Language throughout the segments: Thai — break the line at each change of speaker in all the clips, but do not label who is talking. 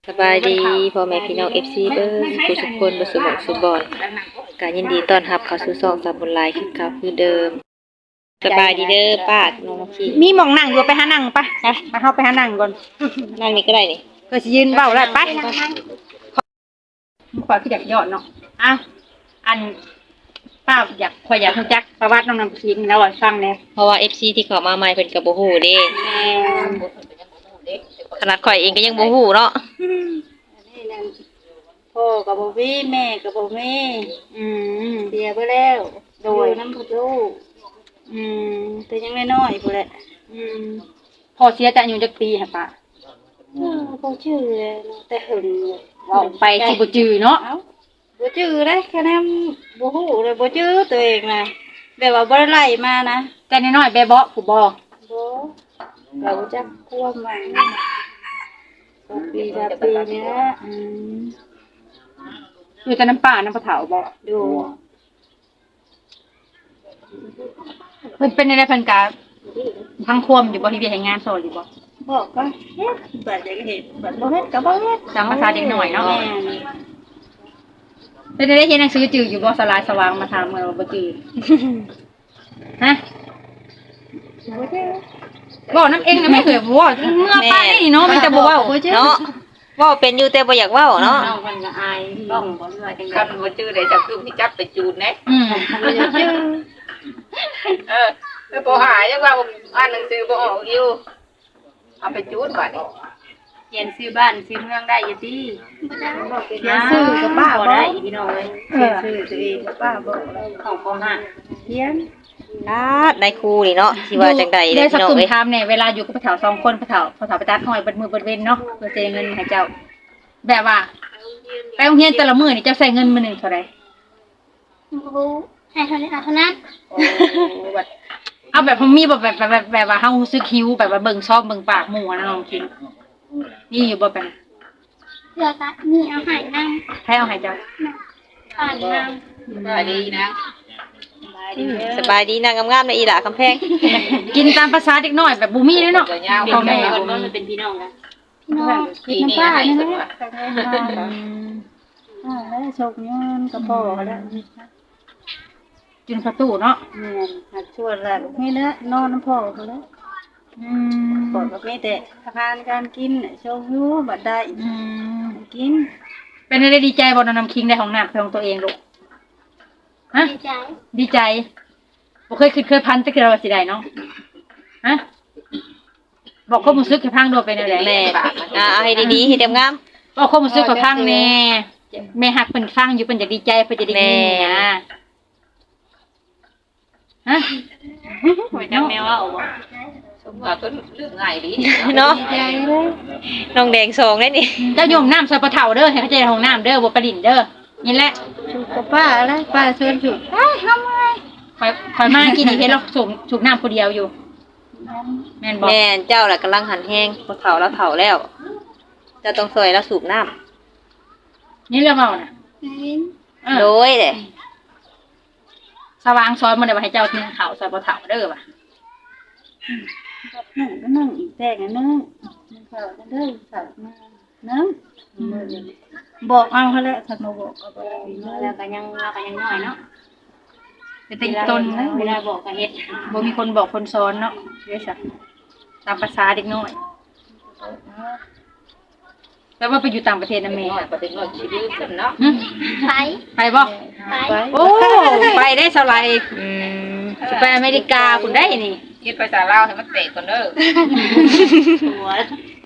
สบายดีพ่อแม่พี่น้อง FC เบิร์สุขคนบ่สุขสุขบอนก็ยินดีต้อนรับเข้าสู่ช่องสามบุญหลายคือเก่าคือเดิมสบายดีเด้อป้าน้องขี้
มีหมองนั่งอยู่ไปหานั่งปะไปเฮาไปหานั่งก่อน
นั่งนี่ก็ได้นี่
ก็สิยืนเว้าได้ไปขอคืออยากยอดเนาะอ้าวอันป้าข่อยอยากรู้จักประวัติน้องน้ำพิงแล้วให้ฟังแหน่
เพราะว่า FC ที่เข้ามาใหม่เพิ่นก็บ่ฮู้เด้ขนาดข่อยเองก็ยังบ่ฮู้เนาะ
นี่นั่นพ่อกับบ่มีแม่กับบ่มีเสียไปแล้วโดยน้ำพุลูกแต่ยังน้อยๆพุ่นแหละ
พ่อเสียจะอายุจักปีฮะป้า
บ่ชื่อเลยเนาะแต่หึง
เว้าไปสิบ่จื้อเนาะ
เอ้าบ่ชื่อเลยแค่นั้นบ่ฮู้เลยบ่ชื่อตัวเองน่ะแบบว่าบ่ได้ไล่มานะ
แต่น้อยๆแบเบาะผู้บ่
บ่เราจักความหวังปีละปีนี้นะ
อยู่แต่น้ำป้าน้ำปลาเถาบ่
ดู
เพิ่นเป็นอะไรเพิ่นก็ทั้งควมอยู่บ่ที่เวียกให้งานโซนอยู่บ่
บอกก็เฮ็ดบัดจะเฮ็ดบัดบ่เฮ็ดก็บ่เฮ็ด
ตามภาษาเด็กน้อยเนาะ
แม่น
เป็นได้เรียนหนังสือจืดอยู่บ่สลายสว่างมาถามเมื่อบ่จืดฮะ
บ่ได้
บอกน้ำเองนะไม่เคยบ่เมื่อป้านี่เนาะมันจะบ่เว้า
เนาะเว้าเป็นอยู่แต่บ่อยากเว้าเนาะ
น้องมันก็อายน้องบ่เลือจังได๋
คันบ่จื้อได้จักคือสิจับไปจูดแหน่
บ่ได้ชื่อ
แล้วบ่หายังว่าอ่านหนังสือบ่ออกอยู่เอาไปจูดบัดนี้
เขียนชื่อบ้านชื่อเมืองได้อยู่ติเขียน
ซื้
ชื่
อ
อ
กั
กั
บบ ป้า
ป้า
บ่
บ่
ได้
ได้พี่น้องเอ้ยเขียนชื่อตัวเองกับป้าบ่ได้ของป .5 เขียน
ได้ครูนี่เนาะที่ว่าจังใด
ได้
เด้อ
สัก
พี่น้อง
กลุ่ม
เอ้ย
ทำเนี่ยเวลาอยู่กับพ่อเฒ่า2คนพ่อเฒ่าไปตัดห้อยเบิดมือเบิดเว้นเนาะเพื่อจะได้เงินให้เจ้าแบบว่าไปโรงเรียนแต่ละมื้อนี่เจ้าใช้เงินมื้อนึงเท่าใด
ให้เท่านี้เอาเท่านั้น
เอาแบบมีแบบว่าเฮารู้สึกหิวแบบว่าเบิ่งชอบเบิ่งปากหมู่นะน้องคิงนี่อยู่บ่เป็น
เพื่อก็มีเอาใหายนั่ง
ให้เอาให้เจ้า
ผ่านนั่ง
ว่าดีนะ
สบายดีนางงามๆในอีหล่าคำแพง
กินตามภาษาเด็กน้อยแบบบ่มีเลยเนาะพ่อแม่บ่มี
มันเป็นพี่น้องนะ
พี่น้อง
ปีนี้ให้สุดว่า
แล้วชกเงินกับพ่อแล้ว
จุนประตูเนาะ
แม่นหักชวนแล้วนี่แหละนอนน้ำพ่อเขาแล้วก่อนก็มีแต่อาหารการกินโชคอยู่บัดได้กิน
เป็นอะไรดีใจบ่น้ำคิงได้ของน้ำของตัวเองลูกฮะ
ดีใจ
ดีใจบ่เคยพันจักคือว่าสิได้เนาะฮะบอกความรู้สึกให้พังโดดไปแนวใด
แม่เอาให้ดีๆให้เต็มงาม
บอกความรู้สึกให้พังแน่แม่ฮักเพิ่นฟังอยู่เพิ่นจะดีใจเพิ่นจะได้ยินนะฮะ
หัวจังแมวว่าบ่
สมว่าก็เรื่องง่ายดี
เนาะน้องแดงสองได้นี่
เจ้าโยมน้ำใส่ปลาเฒ่าเด้อให้เข้าใจห้องน้ำเด้อบ่ประดินเด้อนี่แหละ
ชุกกับป้าแล้วป้าชวนชุก
คอยมากินนี่เฮ็ดแล้วสูบน้ำผู้เดียวอยู่แม่นบ่
แม่นเจ้าล่ะกำลังหันแห้งบ่เฒ่าแล้วเฒ่าแล้วเจ้าต้องซอยแล้วสูบน้ำ
นี่เรื่องเว้าน่ะ
โดยเด้
สว่างซอยมันได้ว่าให้เจ้าทิ้งข้าวใส่ปลาเฒ่าเด้อว่ะ
นึ่งก็นึ่งอีกแต่งนึ่งเขาจะเด้อสัตว์มานึ่งบอกเอาเขาแล้วสัตว์มาบอกก็บ่ได้
แล้วก็ยังน้อยเนาะเป็นติดต้น
เวลาบอกก็เฮ็ด
บ่มีคนบอกคนสอนเนาะเด้ซะตามภาษาเด็กน้อยแล้วว่าไปอยู่ต่างประเทศนะแม่
น้อยประเด็นน้อยชีวิตขึ้นเนาะ
ไป
ไปบ่
ไป
โอ้ไปได้เท่าไหร่
อืม
สิไปอเมริกาพุ่นได้นี่
คิดภาษาลาวให้มันเตะก่อนเด้อ
หัว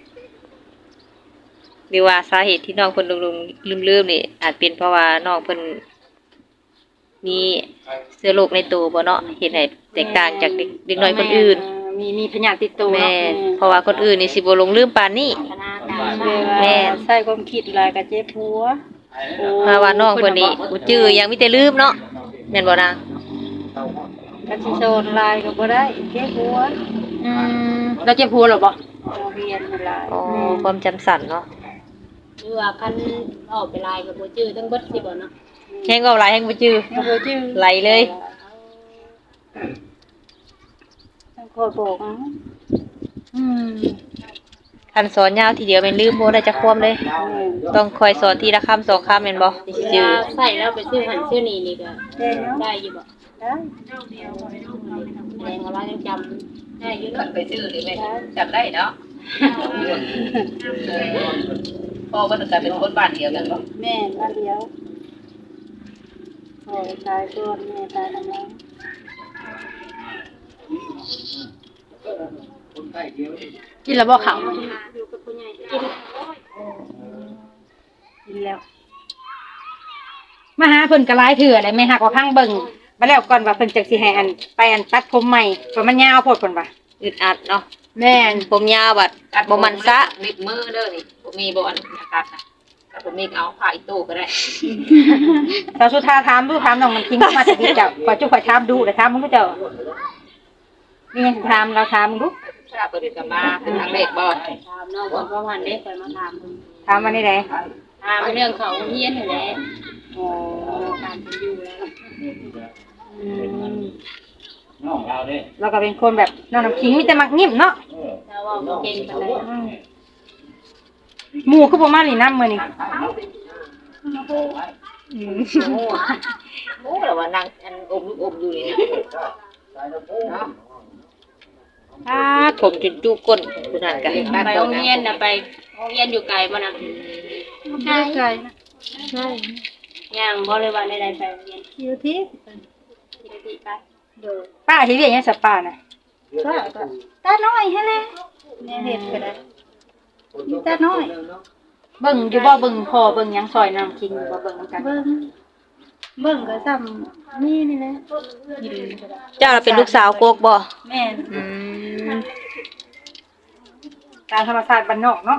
หรือว่าสาเหตุที่น้องเพิ่นลืมๆนี่อาจเป็นเพราะว่าน้องเพิ่นมีเชื้อโรคในตัวบ่เนาะเฮ็ดให้แตกต่างจากเด็กน้อยคนอื่น
มีพยาธิติดตัว
แม่
เนาะ
นเพราะว่าคนอื่นนี่สิบ่หลงลืมปานนี้ แม่
ใส่ความคิดหลายก็เจ็บหัว
เพราะว่าน้องเพิ่นนี่บ่จื้อยังมีแต่ลืมเนาะแม่นบ่นาง
ก็สิโซนหลายก็บ่ได้เจ็บหัว
แล้วเจ็บหัวเหรอบ่
เราเรียนหลาย
อ๋อความจำสั้นเนาะ
หรือว่าคันออกไปลายกับบ่จื้อทั้งเบิดสิบ่เนาะ
แฮงเว้าหลายแฮงบ่จื้อ
ยังบ่จื้อ
ไหลเลย
ต้องคอยบอกเอา
อืม
คันสอนยาวทีเดียวแม่นลืมบ่ได้จักความเลย ต้องคอยสอนทีละคำ2คำแม่นบ่สิ
เว
จื้อ
ลาใส่แล้วไปซื้อหันซื้อนี่นี่ก็
ได้เนาะ
ได้อยู่บ่
ได้
แสดงว่าเรายังจำได้อยู่
ขั
เนาะ
นไปชื่อนี่ไหมจำได้เนาะพ่อก็จะเป็นคนบ้านเดียวกันบ่
แม่บ้านเดียวพ่อตายก่อนแม่ตายแล้วนะ
กินแล้วบ่ข้าว
อยู่กับผู้ใหญ่กิน
กินแล้วมาหาเพิ่นก็หลายเทื่อได้แม่ฮักว่าพังเบิ่งมาแล้วก่อนว่าเพิ่นจักสิให้อันไปอันตัดผมใหม่เพราะมันยาวโพดเพิ่นว่า
อึดอัดเนาะ
แม่น
ผมยาวบัดบ่มันซะ
นิดมือเด้อนี่บ่มีบ่อนนะครับถ้าบ่มีเอาผ้าอีตู้ก็ได้
สาวสุธาถามดูถามน้องมันคิงมาจากนี้เจ้าขอจุขอถามดูแล้วถามมึงดูเจ้ามีหยังสิถามเราถามมึงดู
ถ้าเปิดกันมาเป็นทางเลขบ่
ถามน้องก่อนประมาณนี้ค่อยมาถามเพิ่น
ถามมานี่ได
ถามเรื่องเขาเฮียนนั่นแหละอ๋อการเป็นอยู่แล้ว
เราก็เป็นคนแบบน้องน้ำคิงมีแต่มักยิ้มเนาะ
ถ้าว่าบ่เก่งปานใด
หมู่คือบ่มานี่นำมื้อนี้
โอ้แล้วว่านั่งอันอมลูกอมอยู่นี่เนาะ
ผมจนจุก้นผู้นั้นก็
ไปโรงเรียนน่ะไปโรงเรียนอยู่ไกลบ่น่ะ
ใช่
ใช่นะ
ใช่
ย่างบ่เลยว่าได้ไปโรงเรียน
อยู่ที่
ที่ได้ไป
เด้อ
ป้าสิเรียกหยังสับป้าน่ะ
ก็ตาน้อยให้แหละแม่เฮ็ดก็ได้มีตาน้อย
เบิ่งอยู่บ่เบิ่งพ่อเบิ่งหยังซอยน้องคิงอยู่บ่เบิ่งนำกัน
เบิ่งก็ซ้ำนี่แหละกินก็ได้
เจ้าน่ะเป็นลูกสาวโกกบ่
แม่น
อืม
ตามธรรมชาติบ้านนอกเนาะ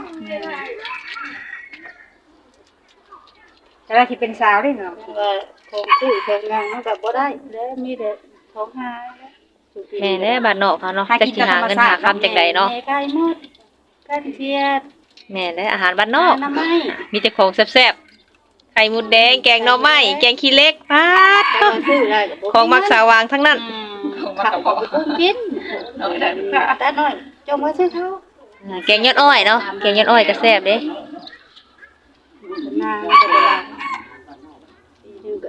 จะได้ที่เป็นสาวได้เนาะ
ว่าของซื้อของงานมันก็บ่ได้แล้วมีแต่ของหา
แม่แน่บ้านนอกเขาเนาะจักสิหาเงินหาคำจังไดเนาะ
แม่ไก่หมดกันเทียด
แม่แน่อาหารบ้านนอก
น้ำไม้
มีแต่ของแซ่บๆไข่มดแดงแกงหน่อไม้แกงขี้เหล็กปาด
ก็ซื้อได้ก็บ่
ของมักสาวางทั้งนั้น
ข้าวก็บ่กิน
น้อยได้ค่ะ
ตาน้อยจงมาซื้อเขา
แกงยอดอ้อยเนาะแกงยอดอ้อยก็แซ่บเด้
นางก็บ่ได้ปีนึงก็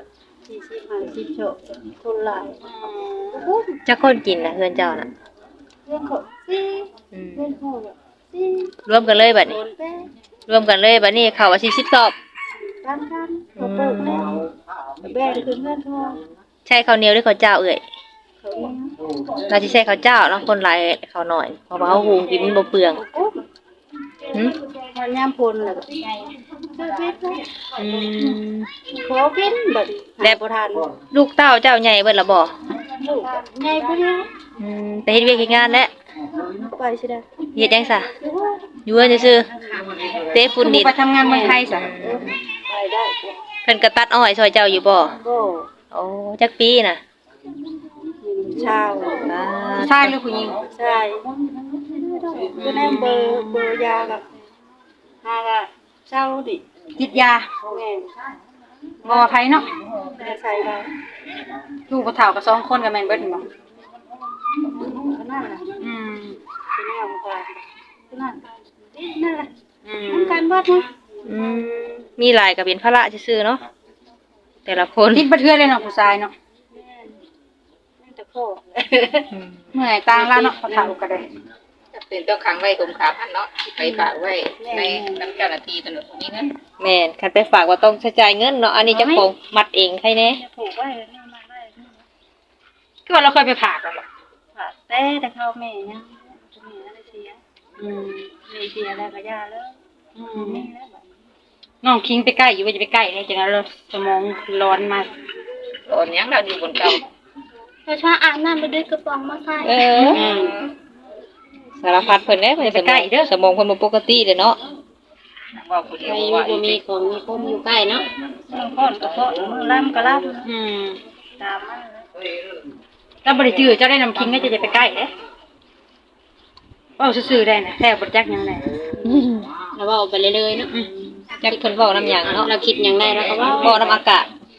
40 50โชคคนหลายโอ้
จักคนกินน่ะเฮือนเจ้าน่ะ
เรื่องของสิ
อืม
เรื่องของสิ
รวมกันเลยบัด
โด
นี้
นแป้
รวมกันเลยบัดนี้เข้าว่า40สอบ
กันเขาเปิดแล้วแบ่งคืนเงินทอง
ใช่ข้าวเหนียวหรือข้าวเจ้าเอ่ย
เขาเนี่ย
เราสิใช้ข้าวเจ้าเนาะคนหลายข้าวน้อยเพราะว่าเฮาหุงกินมันบ่เปลืองหึ
มันยามพลแล้วก็ซื้อเพชร
อืม
ขอกินบัด
แล้ว
บ่ทัน
ลูกเต้าเจ้าใหญ่เบิดละบ่
ลูกใหญ่บ่แล้ว
ไปเฮ็ดเวียกเฮ็ดงานแล้ว
ไปสิได้
เฮ็ดจังซะอยู่เฮือนซื่อๆเตะฝุ่นดิน
ไปทำงานเมืองไทยซะ
ไปได้
เพิ่นก็ตัดอ้อยซอยเจ้าอยู่บ่
บ่
โอ้จักปีน่ะ
ชาว
อ่า
ชายหรือผู้หญิง
ใช่ก็แนมเบอร์ยากับหาก็เช่าดิ
ติดยา
แม่
บ่ว่าไผเนาะ
ไม่ใช่ได้
ลูกบ่เฒ่ากับ2คนก็แม่นเบิดนี่บ่
ก็นั่นน่ะ
อืม
คือแนวค่ะคือนั่นนั่นแหละ
อืม
มันการวัดนะ
อืมมีหลายก็เป็นภาระซื่อๆเนาะแต่ละคน
ติดบ่เทื่อเลยเนาะผู้ชายเนาะ
นั่นแต่พ่อ
เมื่อยต่างแล้วเนาะผู้เฒ่าก็ได้
เป็นเจ้าขังไว้คุมขาพันเนาะไปฝากไว้ในน้ำเจ้าหน้าที่ถนนนี้นะ
แม่นคันไปฝากว่าต้องใช้จ่ายเงินเนาะอันนี้เจ้าของมัดเองใครแน่
จะผูกไว้นี่มาได้
คือว่าเราเคยไปผ่ากันบ่
ค่ะแต่เข้าแม่ยังแม่อะไรเสียแม่เสียแล้วก็ยาแล้วนี่แล้วบัด
น้องคิงไปใกล้อยู่ว่าจะไปใกล้เนี่ยจังนั้นเลยสมองร้อนมาก
ตอนยังเราอยู่บนเก่า
เราชอบอาบน้ำไปด้วยกระป๋องมาใส่
เออสารพัดเพิ่นเด้เพิ่นสมองเพิ่นบ่ปกติเด้เนาะ
ว่าคนเดีย
ไป
ว
อยู่
ว่า
บ่มีของมีคมอยู่ใกล้เนาะ
พ่อนก็พ่อมือล่ำก็ล่
อืม
ำตามมา
ถ้าบ่ได้จื้อเจ้าได้น้ำคิงก็จะไปใกล้เด้เว้าซื่อๆได้นะแท้บ่จักหยังได้
แล้วเว้าไปเรื่อยๆเนาะ
จักเพิ่นเว้านํหยังเนาะ
เราคิดหยังได้แล้วก็เว้า
เว้านํอากาศ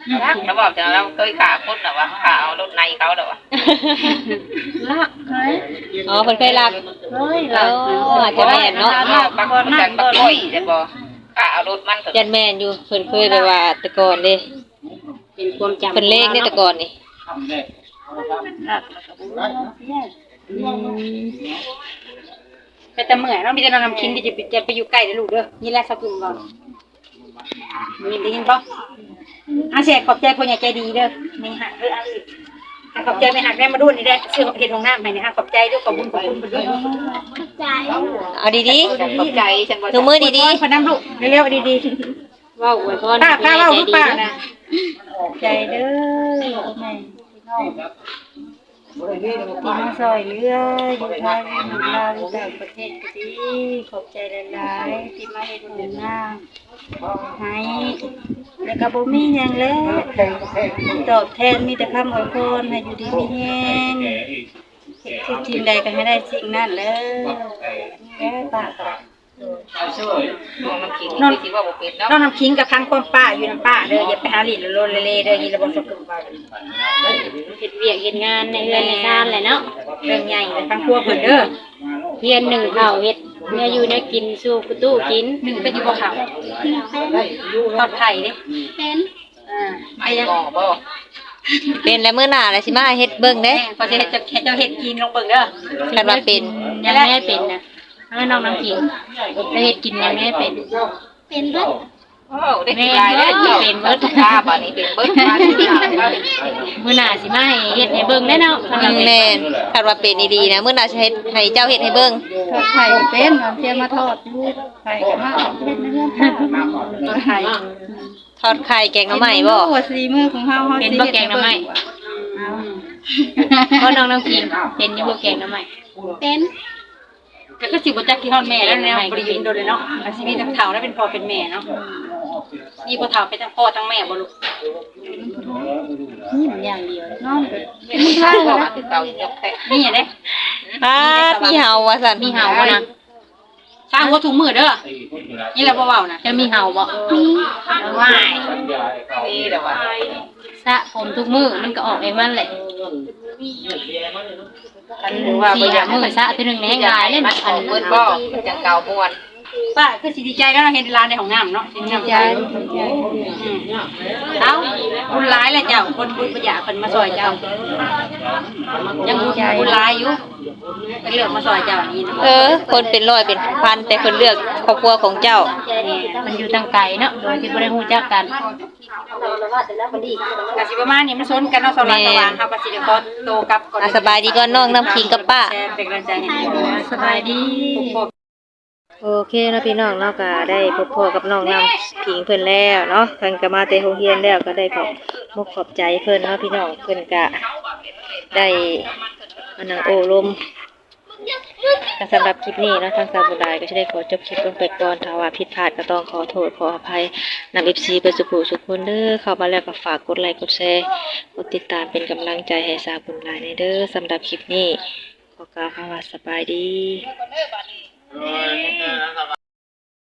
รักแล้วบอกจะเราเคยขาคนหรอวะขาเอารถในเขาหรอวะ
ลักเฮ้ย
อ๋อเพิ่นเคยรัก
เฮ้ย
เอออาจจะแม่นเนาะ
บางคนกันบางคนจะบอกขาเอารถมันเถ
ยั
อะ
นแม่นอยู่เพิ่นเคยแบบว่าแต่ก่อนเด้
เป็นความจำ
เพิ่นเลขนี่แต่ก่อนนี่
ลักแล้วก็บ่
ไปแต่เมื่อยเนาะมีแต่น้ำคิงที่จะไปอยู่ใกล้เด้อลูกเด้อนี่แหละสักกลุ่มก่อนนี่ได้ยินป่ะอาเสียขอบใจคนใหญ่ใจดีเด้อไม่หักเด้ออาสิขอบใจไม่หักได้มาดูนี่ได้ซื้อเห็ดของน้ำให้นี่ฮะขอบใจด้วยขอบคุณคุณด้วย
ใจ
เอาดี
ขอบใจฉันบอก
ๆดูมือดี
พนันลูกเร็วๆดี
เว้าอวยพร
ๆป้าป้า
ให้
เล่า
ใจ
ลูก
ดี
ป้า
เนาะ
นะใจเด้อแม่พี่น้องที่มาซอยเรืออยู่ไทยอยู่ลาวอยู่ต่างประเทศก็ดีขอบใจหลายๆที่มาเฮ็ดบุญนางให้แล้วก็บ่มีหยังแล้วตอบแทนมีแต่คำอวยพรให้อยู่ดีมีแฮงทุกสิ่งใดก็ให้ได้สิ่งนั้นเลยแม่ป้า
น้องน้ำขิงนี่คิดว่าบุเป็นเนาะ
น้องน้ำคิงกับครั้งคนป้าอยู่น้ำป้าเด้ออย่าไปหาหลินโลนเล่เด้อยินระบบสกุลว่า
เฮ็ดเวียกเฮ็ดงานในเรือนในชานแหละเนาะ
เรื่องใหญ่เลยทั้งครัวเพิ่นเด้อ
เฮียนหนึ่งข้าวเฮ็ดเนื้ออยู่เนื้อกินสู่ประตูกิน
หนึ่งเป็นอยู่บ่เขาทอดไข่เด้
เป็น
ไม่บอกบ่
ๆเป็นแล้วมื้อหน้าแล้วสิมาเฮ็ดเบิ่งเด้
แม่พอจะเฮ็ดเจ้าเฮ็ดกินลงเบิ่งเด้อ
คันว่าเป็น
ยังไม่ได้เป็นนะถ้าน้องน้ำขิงจะเฮ็ดกินยังไม่ได้เป็น
เป็นเบิด
โอ้ได้กินลายได้เจ้าเป็นเบิร์ดข้าบ่นี้เป็นเบิร์ดมาที่หลังก็
มื้อหน้าสิมาให้เฮ็ดให้เบิ่งได้เนาะ
แม่นคันว่าเป็นดีๆนะมื้อหน้าสิเฮ็ดให้เจ้าเฮ็ดให้เบิ่ง
ทอดไข่ก็เป็นเอาเทียมมาทอดอยู่ไข่ก็มาเฮ็ดในเรือนทอดไข่
ทอดไข่แกงหน่อไม้บ่
ว่าสีมือของเฮา
เป็นบ่แกงหน่อไม้ก็น้องน้ำขิงเป็นอยู่บ่แกงหน่อไม้
เป็น
ก็สิบ่จักที่ฮอดแม่แล้วแนวบ่ได้ยินโดนเลยเนาะอาชีพทั้งเฒ่าแล้วเป็นพ่อเป็นแม่เนาะนี่บ่เฒ่าเป็นทั้งพ่อทั้งแม่บ่ลูก
นี่มันอย่างเดียว
น้อง
เป็นผู้ชายบอกว่าเก่ายกแค่
นี่เด้
ปาดมีเห่าว่าซั่น
มีเห่าบ่นะ
สร้างหัวถุงมือเด้อนี่แหละบ่เว้านะ
จะมีเห่าบ่
ว้าย
นี่แหละว่า
สระผมทุกมื้อมันก็ออกเองมันแหละ
คันว่า
สี่หามื้อสระเทื่อนึงในแห้งหลายเลย
มั
นะ
นของเบิร์ดบ่จังเก่าม่วน
ป้าคือสิดีใจแล้วเห็นร้านในของน้ำเนาะสิดีใจเอ้าบุญร้ายเลยเจ้าคนบุญประหยัดคนมาซอยเจ้ายังบุญร้ายอยู่เป็นเรื่องมาซอยเจ้านี่
คนเป็นร้อยเป็นพันแต่เพิ่นเลือกครอบครัวของเจ้า
มันอยู่ทางไกลเนาะโดยที่บ่ได้ฮู้จักกัน
กสิประมาณนี้มันซนกันเนาะสว่างสว่างเฮาก็สิได้ขอโตกลับก่อน
อ่ะสบายดีก่อนน้องน้ำขิงกับป้า
เป็นกำลังใจให้สบายดี
โอเคเนาะพี่น้องเนาะก็ได้พบพ่อกับน้องน้ำผิงเพิ่นแล้วเนาะเพิ่นก็มาแต่โรงเรียนแล้วก็ได้ขอบมุกขอบใจเพิ่นเนาะพี่น้องเพิ่นก็ได้มานั่งโอ้ลมก็สำหรับคลิปนี้เนาะทางสาวบุญหลายก็จะได้ขอจบคลิปลงไปก่อนถ้าว่าผิดพลาดก็ต้องขอโทษขออภัยนำ FC เพิ่นสุขสุขคนเด้อเข้ามาแล้วก็ฝากกดไลค์กดแชร์กดติดตามเป็นกำลังใจให้สาวบุญหลายในเด้อสำหรับคลิปนี้ขอกล่าวคำว่าสบายดี